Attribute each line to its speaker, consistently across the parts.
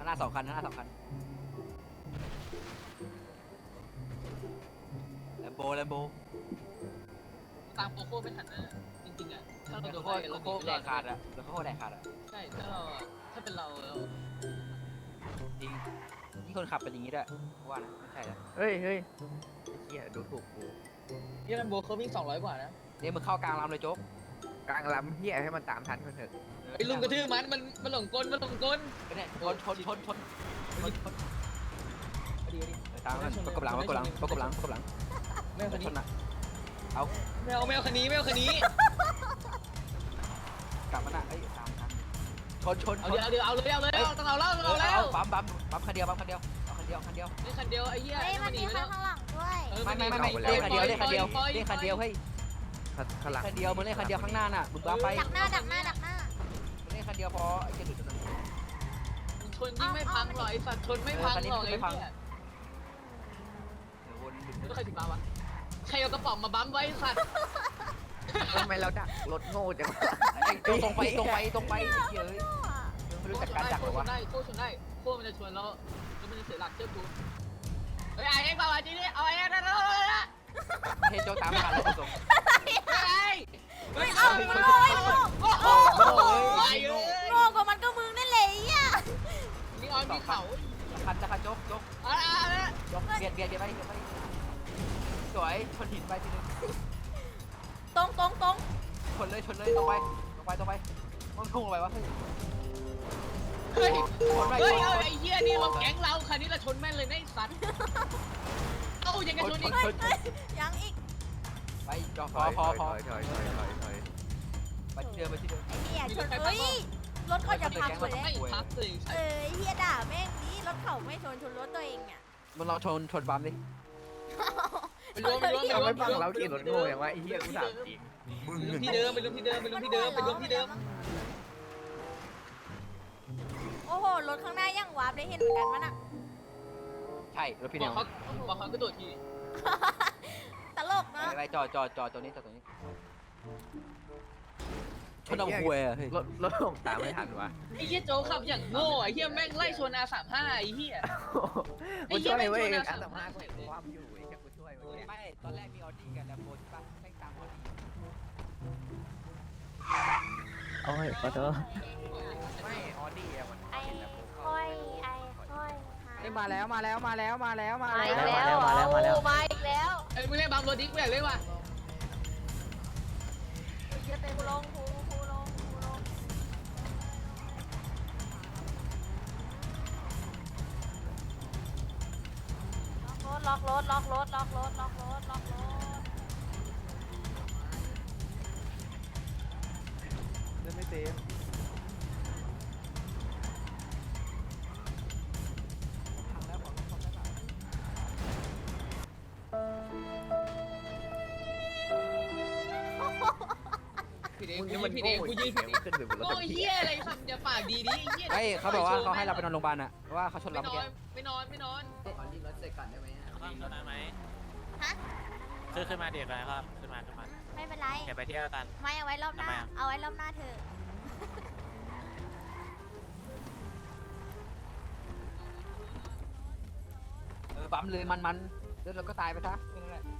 Speaker 1: น้า2 คันหน้า2 คันแลมโบ
Speaker 2: ตามโคโค่ไม่ทันนะจริงๆอ่ะถ้าเราโดน
Speaker 1: โคโค่แดกขาดอะโคโค่แดกขาดอะ
Speaker 2: ใช่ถ้าเราถ้าเป็นเรา
Speaker 1: จริงนี่คนขับเป็นอย่างนี้ด้วยว่านะไม่ใช่ละ
Speaker 3: เฮ้ยเฮ้ยเฮียดูถูกกู
Speaker 2: ยี่ลัมโบเขาวิ่ง200 กว่านะ
Speaker 1: เนี่ยมึงเข้ากลางลำเลยโจ๊ก
Speaker 3: กลางลำเฮียให้มันตามทันคนเถอะ
Speaker 2: ไอ้ลุงกระทืบมันหลงกลมันหลงกล
Speaker 1: เนี่ยชน
Speaker 2: พอดี
Speaker 1: ตามมันประกบหลัง
Speaker 2: ไม่เอาคัน
Speaker 1: ช
Speaker 2: นี้
Speaker 1: นอะเอา
Speaker 2: ไม่เอาคันนี้ไม่เอาคันนี้
Speaker 1: กลับมันอะเอ้ยตามทันชน
Speaker 2: เอาเลยต้องเอาแล้ว
Speaker 1: ปั๊มคันเดียวเอาคันเดียว
Speaker 2: นี่คันเดียวไอ้เหี้ย
Speaker 4: เฮ้ยมันมีข้างหลังด้วย
Speaker 1: ไม่เล่นคันเดียวเฮ้ย
Speaker 3: ข้างหลัง
Speaker 1: คันเดียวมึงเล่นคันเดียวข้างหน้าน่ะมึงบ้าไป
Speaker 4: ดักหน้า
Speaker 1: มึงเล่นคันเดียวพอไอ้เจ้าหลุดตรงนั้น
Speaker 2: ชนยิ่งไม่พังหรอกไอ้สัตว์ชนไม่พังหรอกไอ้เหี้ยแล้วใครถึงมาวะใครเอากระป๋องมาบั๊มไว้สัตว์
Speaker 3: ทำไมเราดักรถโง่จังวะ
Speaker 1: ตรงไปเฮ้ยไม่รู้จักการดักหรอวะ
Speaker 2: โค้มันจะชวนแล้วมันจะเสียหลักเชื่อกูเฮ้ยไอ้เอ็กซ์มาจริงดิเอาไอ้เอ็กซ์นะ
Speaker 1: เฮ้ยโจ๊กตามมาแล้วส่ง
Speaker 4: ไม่เอาโง่ไอ้โง่
Speaker 2: โอ้โหไอ้เอ้ย
Speaker 4: โง่กว่ามันก็มึงนั่นแหละไอ้เหี้ย
Speaker 2: นี่ออนมีเขา
Speaker 1: คันโจ๊ก
Speaker 2: อะไร
Speaker 1: เบียดไปสวยชนหินไปทีนึง
Speaker 4: ตรง
Speaker 1: ชนเลยตรงไปมันพุ่งลงไปวะ
Speaker 2: เฮ้ยไอ้เหี้ยนี่เราแก๊งเราคันนี้เราชนแม่นเลยนะไอ้สัตว์เอ้ายังไงชนอีก
Speaker 4: ยังอีก
Speaker 1: ไปจอพอไปที่เดิม
Speaker 4: ไอ้เหี้ยชนเฮ้ยรถเขาจะพังหมดแล้ว
Speaker 2: ไม่พักเลย
Speaker 4: ไอ้เหี้ยด่าแม่งนี้รถเขาไม่ชนรถตัวเองอ่ะ
Speaker 1: มึงลองชนบัมดิ
Speaker 2: ไปรวม
Speaker 3: เราไม่ฟังเราขี่รถโง่อย่างวะไอ้เฮียกูถามจริง
Speaker 2: ที่เดิมไปรวมที่เดิม
Speaker 4: โอ้โหรถข้างหน้ายังวาร์ปได้เห็นเหมือนกันมั้ยน่ะ
Speaker 1: ใช่รถพี่
Speaker 2: บ
Speaker 1: เนี
Speaker 2: อย กเขาก็โดดที
Speaker 4: ตลกเนาะ
Speaker 1: ไปจอตัวนี้ชนเอาหวยอะเฮ้ย
Speaker 3: รถลงตามไม่ทันวะ
Speaker 2: ไอ้เหี้ยโจขับอย่างโง่ไอ้เหี้ยแม่งไล่ชน R35ไอ้เหี้ย
Speaker 3: กูช่วยเว้ยการสัมภาษณ์กูความอยู่ไอ้แค่กูช่วยเว้ย
Speaker 1: ไม่ตอนแรกมีออดี้กับแลมโบใช่ปะแม่งตามออดี้
Speaker 3: โอ้ยขอโทษไม่ออดี้อะมัน
Speaker 4: ไอ้ค่อย
Speaker 3: มาแล้ว
Speaker 4: มาอีกแล้ว
Speaker 3: มาแล้ว
Speaker 4: มาอีกแล้ว
Speaker 2: ไอ้มึงเล่นบัมรถดิกูอยากเล่นว่ะ
Speaker 4: กูลงล็อกรถ
Speaker 3: เล่นไม่เต็ม
Speaker 2: ผิดเอง
Speaker 3: มึง
Speaker 2: กู
Speaker 3: นี่
Speaker 2: ยื
Speaker 3: มัน
Speaker 2: นผิด
Speaker 3: โง่
Speaker 2: เองกูยืน
Speaker 3: เสียงขึ้นไปบนรถ
Speaker 2: โง่เหี้ยอะไรสัตว์อย่าปากดีดิเหี้ย
Speaker 1: เฮ้ยเขาบอกว่าเขาให้เราไปนอนโรงพยาบาลอะว่าเขาชนเราเมื่อกี้
Speaker 2: ไม่นอน
Speaker 5: ขอรีบรถเสร็จก่อนได้ไหม
Speaker 6: ขึ้นรถได้ไหม
Speaker 4: ฮะ
Speaker 6: ขึ้นมาเด็กเลยครับขึ้นมา
Speaker 4: ไม่เป็นไร
Speaker 6: เดี๋ยวไปเที่ยวกัน
Speaker 4: ไม่เอาไว้รอบหน้า
Speaker 6: ทำไมอะ
Speaker 4: เอาไว้รอบหน้าเธอ
Speaker 1: บัมเลยมันแล้วเราก็ตายไปซะแค่นั้นแหละ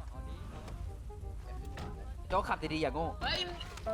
Speaker 1: โจ๊กขับดีๆอย่างโง่
Speaker 2: เฮ้ย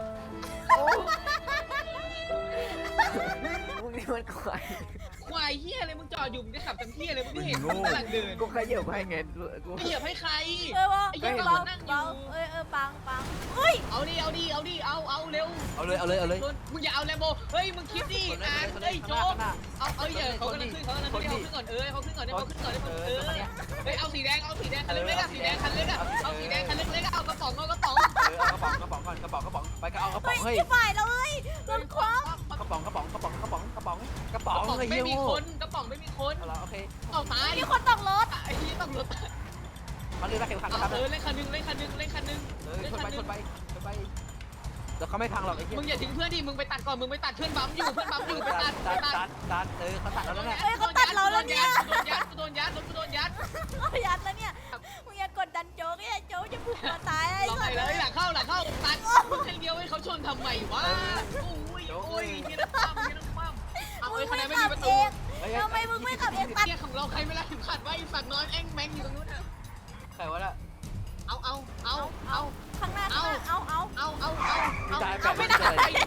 Speaker 3: มึงนี่มันควาย
Speaker 2: ควายเหี้ยอะไรมึงจอดอยู่มึงจะขับเต็มที่เลยมึงไม่เห็นมึงกำลังเดิน
Speaker 3: กูขยับให้ไงกู
Speaker 2: ไม่เหยียบให้ใคร
Speaker 4: ว่า
Speaker 2: ไอ้เหี้ย
Speaker 4: เบา
Speaker 2: นั่งอยู่
Speaker 4: เบาปังเฮ้ย
Speaker 2: เอาดิเอาเร็ว
Speaker 1: เอาเลย
Speaker 2: มึงอย่าเอาแลมโบเฮ้ยมึงคิดดิอ่านเฮ้ยโจ๊กเอาอย่าเขากำลังขึ้นเขาขึ้นก่อนเขาขึ้นก่อนเฮ้ยเอาสีแดงคันเล็กๆสีแดงคันเล็กเอาสีแดงคันเล็กๆเอากระป๋อง
Speaker 1: เอากระป๋องก่อนกระป๋องไปก็เอากระป๋องเฮ้ย
Speaker 4: จะฝ่ายแล้วเฮ้ยรถคว้าก
Speaker 1: ระป๋องเฮ้ย
Speaker 2: ไม่
Speaker 1: เหี้ย
Speaker 2: มี
Speaker 1: โง่
Speaker 2: คนกระป๋องไม่มีคน
Speaker 1: เอาละโอเค
Speaker 2: เอาตาย
Speaker 4: มีคนตกรถ
Speaker 2: ไอ้ที่ต้องรถ
Speaker 1: มันเรือเข็มขัดนะครับ
Speaker 2: เล่นคันนึง
Speaker 1: ชนไปแล้วเขาไม่พังหรอกไอ้เหี้ย
Speaker 2: มึงอย่าทิ้งเพื่อนดิมึงไปตัดก่อนมึงไปตัดเพื่อนบัมอยู่ไปตัด
Speaker 1: ตัดเขาตัดเราแล้วเนี่ย
Speaker 4: เขาตัดเราแล้วเนี่ย
Speaker 2: โดนยัด
Speaker 4: เขายัดแล้วเนี่ยมึงอย่ากดดันโจ๊กเนี่ยโจ๊กจะผูกคอตายไอ้
Speaker 2: เรา
Speaker 4: สั
Speaker 2: ไป
Speaker 4: ตว์
Speaker 2: เลยหลังเข้าตัดมึงแค่เดียวให้เขาชนทำไมวะโอ้ยนี่นะปั้มเอาไอ้คะแนนไม่มีประตู
Speaker 1: เฮ้ย
Speaker 4: ตัด
Speaker 2: เนี่ยของเราใครไม่รักถึงขัดไว้สัตว์นอนแอ้งแมงอยู่ตรงนู้น
Speaker 1: ใครวะล่ะ
Speaker 2: เอา
Speaker 4: ข้างหน้าเอา
Speaker 1: เอาไม่ได้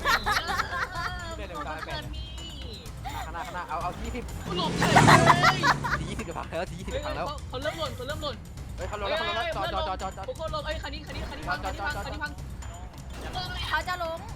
Speaker 1: ข้างหน้าเอา20
Speaker 2: กูหลบเลย
Speaker 1: 20กับพังแล้ว20กับพังแล้ว
Speaker 2: เขาเริ่มหล่น
Speaker 1: เฮ้ยเขาลงแล้วจอด
Speaker 2: โคตรลงคันนี้พัง
Speaker 4: เขาจะลง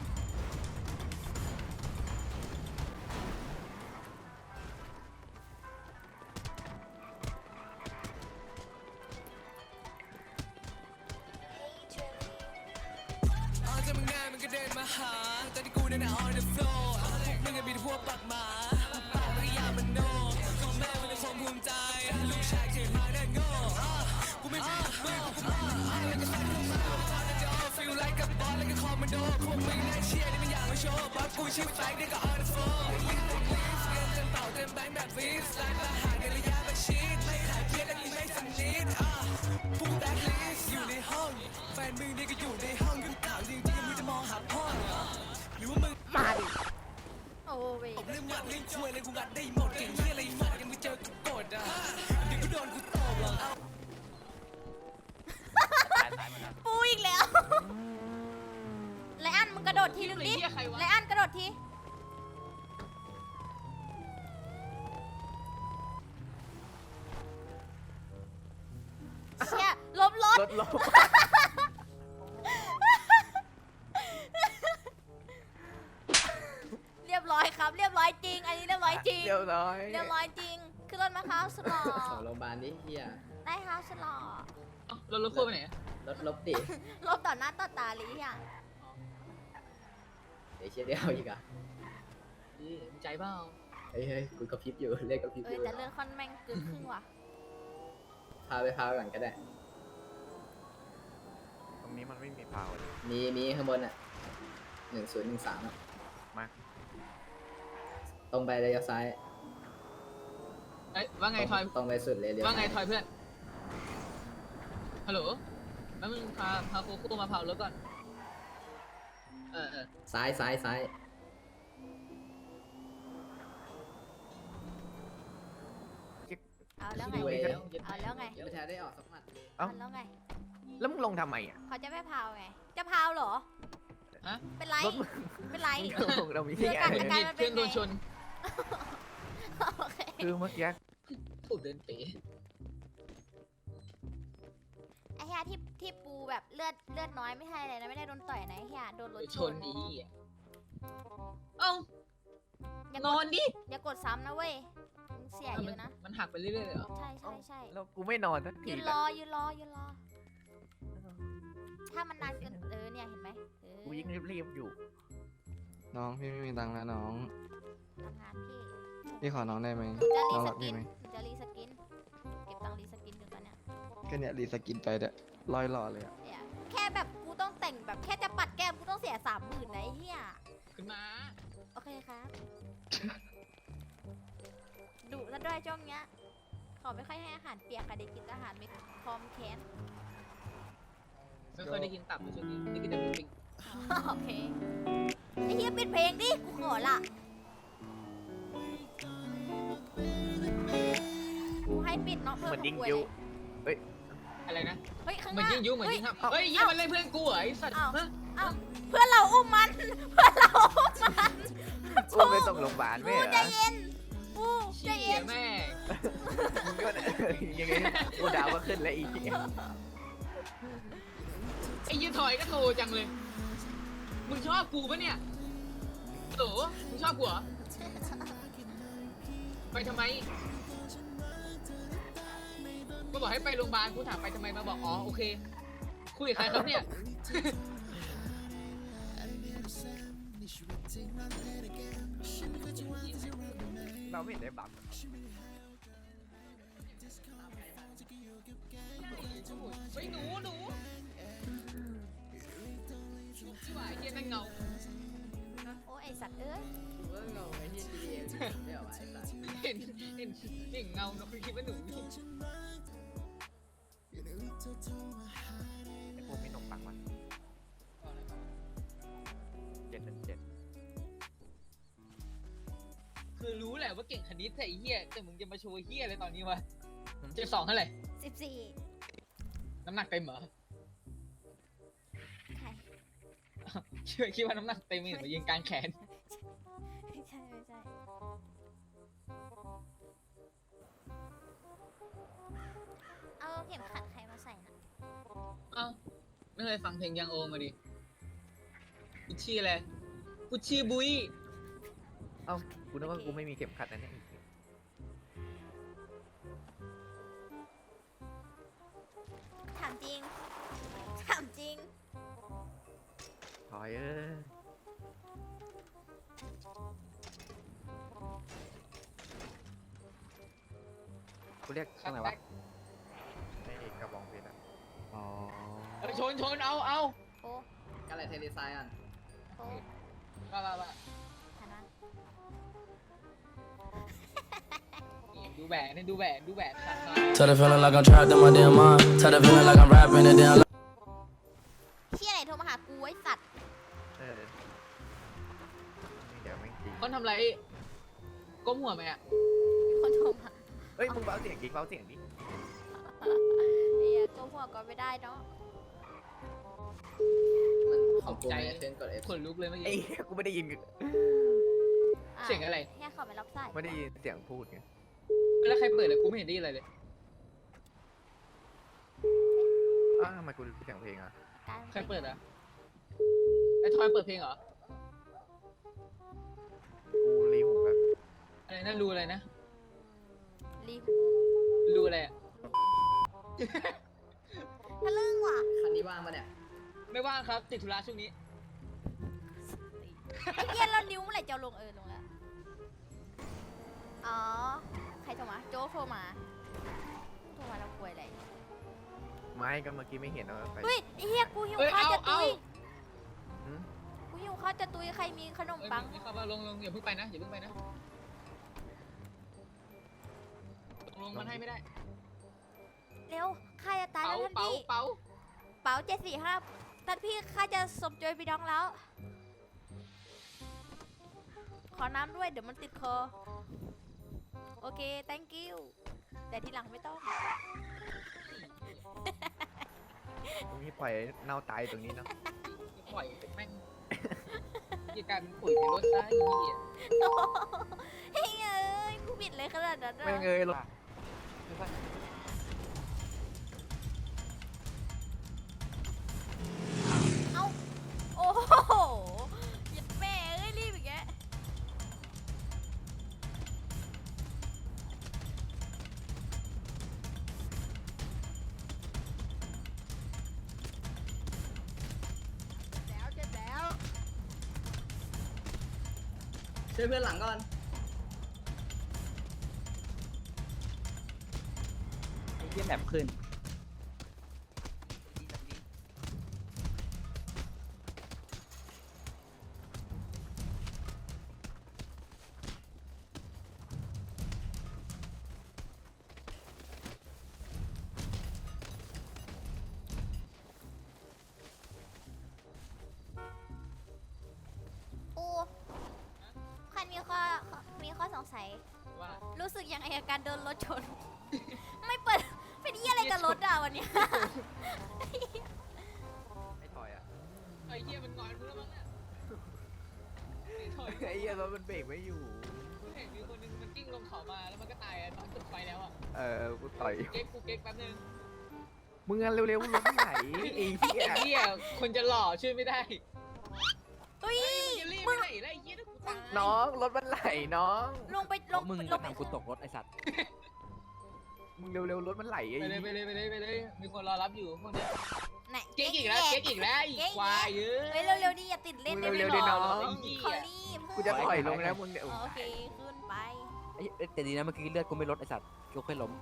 Speaker 4: โอ้เว้ยปูอีกแล้วไลอ้อนมึงกระโดดทีนึงดิไลอ้อนกระโดดทีเชี่ยลบรถ
Speaker 3: รถ
Speaker 4: เรียบร้อยครับ เรียบร้อยจริง อันนี้เรียบร้อยจริง
Speaker 3: เรียบร้อย
Speaker 4: เรียบร้อยจริงขึ้นรถมาครับสลอ
Speaker 5: ของโรงพยาบาลดิเฮีย
Speaker 4: ได้ครับสลอ
Speaker 2: เรารถคู่ไปไหน
Speaker 5: รถลบดิ
Speaker 4: ลบต่อหน้าต่อตาเลยอ่ะ
Speaker 5: เดี๋ยวเชี่ยเดียวอีกอ่ะ
Speaker 2: ใจเปล่า
Speaker 5: เฮ้ยกูกระพริบอยู่เลขกระพริบอยู่
Speaker 4: แต่เรื่องคอนแม่งกึ่งครึ่งว่ะ
Speaker 5: พาก่อนก็ได้
Speaker 3: ตรงนี้มันไม่มีพาวเลย
Speaker 5: มีข้างบนอ่ะ1013อ่ะ
Speaker 3: มา
Speaker 5: ตรงไประยะซ้าย
Speaker 2: เอ้ยว่าไงทอย
Speaker 5: ตรงไปสุดเลยเดี๋ยว
Speaker 2: ว่าไงทอยเพื่อนฮัลโหลแล้วมึงพาโคโค่มาเผารถก่อน
Speaker 5: ซ้าย
Speaker 4: เอาแล้วไง
Speaker 5: ดูเอง
Speaker 4: เอาแล้วไง
Speaker 5: ยังไม่ทันได้ออกสักหมัดเลย
Speaker 4: เอาแล้วไง
Speaker 3: แล้วมึงลงทำไมอ่ะ
Speaker 4: เขาจะไม่พาวไง จะพาวเหรอ
Speaker 2: ฮะ
Speaker 4: เป็นไร
Speaker 3: รถมึง
Speaker 4: เป็นไร
Speaker 3: มึงลงเรามี
Speaker 4: เดี๋
Speaker 3: ที่
Speaker 4: ยว
Speaker 3: ไง
Speaker 4: กัน การมันเป็นไง
Speaker 2: เพื่อนโดนชน
Speaker 4: โอเค
Speaker 3: คือเมื่อกี้
Speaker 2: ถูกเดินเป๋
Speaker 4: ไอ้เฮียที่ปูแบบเลือดน้อยไม่ใช่อะไรนะ ไม่ได้โดนต่อยนะไอ้เฮียโดนรถ
Speaker 2: ช
Speaker 4: ช
Speaker 2: น
Speaker 4: น
Speaker 2: อีเอ้า
Speaker 4: อย่าน
Speaker 2: อนดิ
Speaker 4: อย่ากดซ้ำนะเว้ยมึงเสียเยอะนะ
Speaker 2: มันหักไปเรื่อยๆเลยเหรอ
Speaker 4: ใช่
Speaker 3: แล้วกูไม่นอนสักที
Speaker 4: ยืนรอ ถ้ามันนานเกินเนี่ยเห็นไหม
Speaker 3: กูยิ่งรีบๆอยู่
Speaker 7: น้องพี่ไม่มีตังค์แล้วน้อง
Speaker 4: ทำงานพี่
Speaker 7: พี่ขอน้องได้ไหม
Speaker 4: จะรี
Speaker 7: น้อง
Speaker 4: ส
Speaker 7: รัก
Speaker 4: กิ
Speaker 7: พี่
Speaker 4: น
Speaker 7: ไหม
Speaker 4: จะรีสกิน เก็บตังค์รีสกินอยู่ตอนเนี้ย
Speaker 7: แค่เนี้ยรีสกินไปเด้อลอยหล่อเลยอะ
Speaker 4: เนี่ยแค่แบบกูต้องแต่งแบบแค่จะปัดแก้มกูต้องเสีย30,000นะไอ้เหี้ย
Speaker 2: ขึ้นมา
Speaker 4: โอเคครับดุซะด้วยช่วงเนี้ยขอไม่ค่อยให้อาหารเปียกค่ะเด็กกินอาหารไม่พร้อมแค้น
Speaker 2: ไม่เคยได้กินตับเลยช่วงนี้ได้กินแต่ปิ้ง
Speaker 4: โอเคไอ้เหี้ยปิดเพลงดิกูขอละกูให้ปิดเนาะเพื่อ
Speaker 3: เหมือนยิง
Speaker 4: กู
Speaker 3: ยุ
Speaker 4: เลย
Speaker 2: อะไรนะ
Speaker 4: เฮ้ยข้าง
Speaker 2: เห
Speaker 4: ห
Speaker 2: มือน
Speaker 4: น้า
Speaker 2: ยิงยุเหมือนยิงครับเฮ้ยยิงมันเล่นเพื่อนกูเหรอไอ้สัตว์
Speaker 4: อ้าว
Speaker 2: ฮะ
Speaker 4: เอ้าเพื่อนเราอุ้มมัน เพื่อนเราอุ้มมัน
Speaker 3: กูไปส่งโรงพยาบาลไม่
Speaker 4: กู
Speaker 3: เหร
Speaker 4: ใจ
Speaker 3: อ
Speaker 4: เย็นกูใจ
Speaker 2: เชี่
Speaker 4: เย็
Speaker 2: ย
Speaker 4: น
Speaker 2: แม่
Speaker 3: มึงก็ยังไงกูดาวก็ขึ้นแล้วอีก
Speaker 2: ไอ้ยี่ถอยก็โทรจังเลยมึงชอบกูปะเนี่ยโหมึงชอบกูเหรอไปทำไมก็บอกให้ไปโรงพยาบาลกูถามไปทำไมมาบอกอ๋อโอเคคุยกับใครครับเนี่ย
Speaker 3: เราไม่เห็นได้บัฟ
Speaker 2: เฮ้ยหนูที่ว่าไอ้เหี้ยนั่นเงา
Speaker 4: โอ้ไอสัตว์เอ้ย
Speaker 5: เมื่อเงาไอ้ที่ GTA ไม่เอาไว้สัตว์
Speaker 2: เห็นเงาเราคือคิดว่าหนู
Speaker 3: ไอ้พวกมีหนมปังวะ717
Speaker 2: คือรู้แหละว่าเก่งคณิตแต่ไอ้เหี้ยแต่มึงจะมาโชว์เหี้ยอะไรตอนนี้วะ72เท่าไหร่
Speaker 4: 14
Speaker 2: น้ำหนักเต็มเหรอ
Speaker 4: ใช่
Speaker 2: คิดว่าน้ำหนักเต็มเห็นมายิงกลางแขน
Speaker 4: ไม่ใช่เอาเข็มขัดใครมาใส่นะ
Speaker 2: เอ้าไม่เคยฟังเพลงยังโอมาดิกุชชี่อะไรกุชชี่บุย
Speaker 3: เอ้ากูนึกว่ากูไม่มีเข็มขัดนะเนี่ย
Speaker 4: ถามจริงถามจริง
Speaker 3: ถอยเอ้ยกูเรียกช่างไหนวะในกระบองเพชรอ่ะอ๋อ
Speaker 2: ชนเอา
Speaker 4: โอ้
Speaker 5: กันอะไรเทเลไซน์อ่ะ
Speaker 4: โอ้
Speaker 2: ว่า
Speaker 4: ทันวะ
Speaker 2: นี่ดูแหวนนี่ดูแหวนชัดมาก
Speaker 8: Tell the feeling like I'm trapped in my damn mind. Tell the feeling like I'm rapping it down.
Speaker 4: เชี่ยไหนโทรมาหากูไอ้สัตว์
Speaker 3: เออเดี๋ยวไม่งจริง
Speaker 2: คนทำไรก้มหัวไหมอ่ะ
Speaker 4: คนโทรมา
Speaker 3: เฮ้ยมึงเบาเสียงดิเบาเสียงดิ
Speaker 4: ไอ้เหี้ยก็หัวก็ไม่ได้เนาะ
Speaker 5: มันของกูเนี่ยเทนกด F
Speaker 2: ขนลุกเลยเมื่อ
Speaker 3: ไอ้
Speaker 2: กี้
Speaker 3: เหี้ยกูไม่ได้ยิน
Speaker 2: เสียงอะไร
Speaker 4: แค่เขาไม่รับสาย
Speaker 3: ไม่ได้ยินเสียงพูดไง
Speaker 2: แล้วใครเปิดเลยกูไม่เห็นได้ยินอะไรเลย
Speaker 3: อ้าวทำไมกูเสียงเพลงอ่ะ
Speaker 4: การ
Speaker 2: ใครเปิดอ่ะไอ้ทอยเปิดเพลงเหรอ
Speaker 3: กูรีหูแบบ
Speaker 2: อะไรนะรูอะไรนะ
Speaker 4: รีบ
Speaker 2: รูอะไรอ่ะ
Speaker 4: ทะลึ่งว่ะ
Speaker 5: คันนี้ว่างปะเนี่ย
Speaker 2: ไม่ว่างครับติดธุระช่วงนี้
Speaker 4: ไอ้เหี้ยแล้วนิ้วเมื่อไหร่จะเอาลงลงแล้ว อ๋อ ใครโทรมา โจ๊กโทรมา โทรมาแล้วป่วยอะไร
Speaker 3: ไม่ก็เมื่อกี้ไม่เห็นเอาไป
Speaker 4: เฮ้ยไอ้เหี้ยกูหิว
Speaker 2: เอ้ย
Speaker 4: ข้าวจะ
Speaker 2: เอา
Speaker 4: ตุย
Speaker 3: หืม
Speaker 4: กูหิวข้าวจะตุยใครมีขนม
Speaker 2: เอ้ย
Speaker 4: ปัง
Speaker 2: ไม่เข้ามาลงอย่าเพิ่งไปนะอย่าเพิ่งไปนะลงมันให้ไม่ได้
Speaker 4: เร็วข้าจะตายแล้วท่าน
Speaker 2: เป๋า
Speaker 4: พี่
Speaker 2: เป๋า
Speaker 4: เป๋า745ท่านพี่ข้าจะสมโจยพี่น้องแล้ว ขอน้ำด้วยเดี๋ยวมันติดคอ โอเค thank you แต่ทีหลังไม่ต้อง
Speaker 3: ตรงนี้ปล่อยเน่าตายตรงนี้เนาะ
Speaker 2: ปล่อยแม่งยี่การเป็นปุ๋ยในรถซะอย่างนี้อ่ะ
Speaker 4: เฮ้ยเอ้ยกูบิดเลยขนาดนั้นอะ
Speaker 3: ไม่เงยหรอก
Speaker 4: เอ้า โอ้โหหยัดแม่เอ้ยรีบอีกแก
Speaker 5: ช่วยเพื่อนหลังก่อน
Speaker 1: ไอ้เหี้ยแบบขึ้น
Speaker 4: โอ้คันมีข้อสงสัย
Speaker 2: ว่า
Speaker 4: รู้สึกยังไงกับการโดนรถชน ไม่เปิด เป็นเหี้ยอะไรกับรถอ่ะวันเนี้ย
Speaker 3: ไม่ถอยอ่ะ
Speaker 2: ไอ้เหี้ยมันงอนมึงแล้วมั้งเนี่ยไอ้ถอย
Speaker 3: ไอ้เหี้ยรถมันเบรกไม่อยู่
Speaker 2: เห็นมีคนนึงมันกิ้งลงเขามาแล้วมันก็ตายอ่ะตอนจุดไฟแล้วอ่ะ
Speaker 3: กูต่อย
Speaker 2: กูเก๊กแป๊บนึง
Speaker 3: มึงอะเร็วๆรถไหนไอ้เหี้ย
Speaker 2: ไอ้เหี้ยคนจะหล่อช่วยไม่ได้
Speaker 4: เฮ้ย
Speaker 2: จะรีบ
Speaker 4: มึ
Speaker 2: ไป
Speaker 4: ง
Speaker 2: ไหนแล้วไอ้เหี้ยถ้ากูตาย
Speaker 3: น้องรถมันไหลน้อง
Speaker 4: ลงไปลง
Speaker 1: มึง
Speaker 4: ล
Speaker 1: ก็
Speaker 4: งไป
Speaker 1: ทำกูตกรถไอ้สัตว์
Speaker 3: มึงเร็วๆรถมันไหลไอ้
Speaker 2: ไปเลย
Speaker 3: เหี้ย
Speaker 2: ไปเลยมีคนรอรับอยู่พวกเนี้ย
Speaker 4: ไหน
Speaker 2: เก๊กอีกแล้วเก๊กอีกแล้วอีกควายเยอะ
Speaker 4: เฮ้ยเร็วๆดิอย่าติดเล่นได้ไหม
Speaker 3: เร็วๆ
Speaker 4: หร
Speaker 3: ดิ
Speaker 4: อ
Speaker 3: น้อง
Speaker 4: เขารีบ
Speaker 3: กูจะถอยลงแล้วมึงเนี่ย
Speaker 4: โอเคขึ้นไป
Speaker 1: ไอ้แต่ดีนะเมื่อกี้เลือดกูไม่ลดไอ้สัตว์กูแค่ล้ม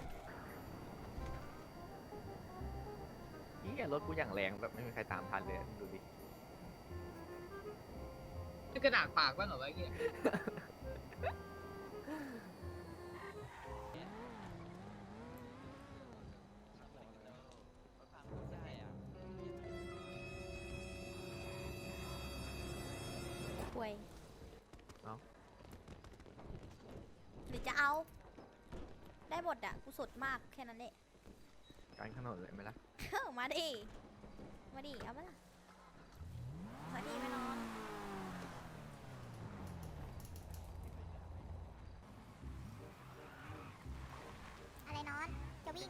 Speaker 3: เหี้ยรถกูอย่างแรงแบบไม่มีใครตามทันเลยอะดูดิ
Speaker 2: นี่กระดาษปากบ้างเหรอวะไอ้เหี้ย
Speaker 4: ป่วยได้บทอะกูสุดมากแค่นั้นแหละ
Speaker 3: การขนนเลยไหมล่ะ
Speaker 4: มาดิ มาดิ เอาปะล่ะมาดิไม่นอนอะไรนอน จะวิ่ง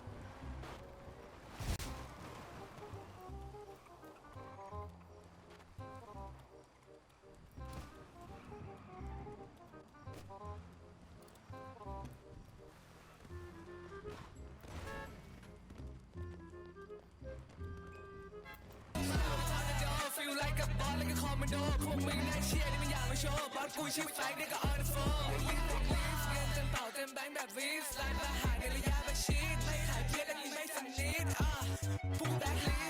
Speaker 8: Feel like a ball like a commando พวกมึงน่าเชียร์นี่ไม่อยากมาโชว์บอสกูชิปแฟงนี่ก็ on the phone ลิงก์ลิงก์เงินเต็มเป่าเต็มแบงค์แบบวิสไลน์มาหาในระยะประชิดไม่ขายเพี้ยนและนี่ไม่สนิทพวกแบล็คลิ